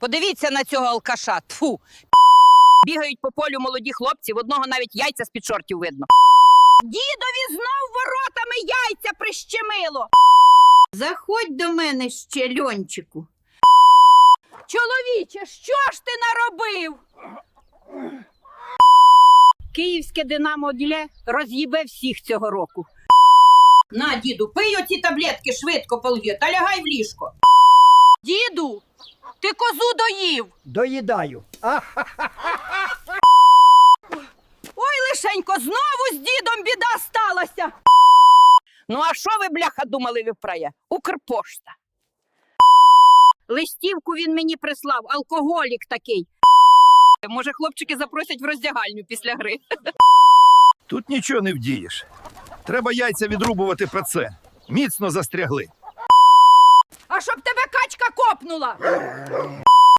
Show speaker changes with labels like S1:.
S1: Подивіться на цього алкаша. Тфу. Бігають по полю молоді хлопці, в одного навіть яйця з-під шортів видно. Дідові знов воротами яйця прищемило. Заходь до мене ще, Льончику. Чоловіче, що ж ти наробив? Київське Динамо Діле роз'їбе всіх цього року. На, діду, пий оці таблетки швидко полью та лягай в ліжко. Діду, ти козу доїв.
S2: Доїдаю.
S1: Ой, лишенько, знову з дідом біда сталася. Ну а що ви, бляха, думали, виправє? Укрпошта. Листівку він мені прислав, алкоголік такий. Може, хлопчики запросять в роздягальню після гри.
S3: Тут нічого не вдієш. Треба яйця відрубувати про це. Міцно застрягли.
S1: А щоб тебе качка копнула.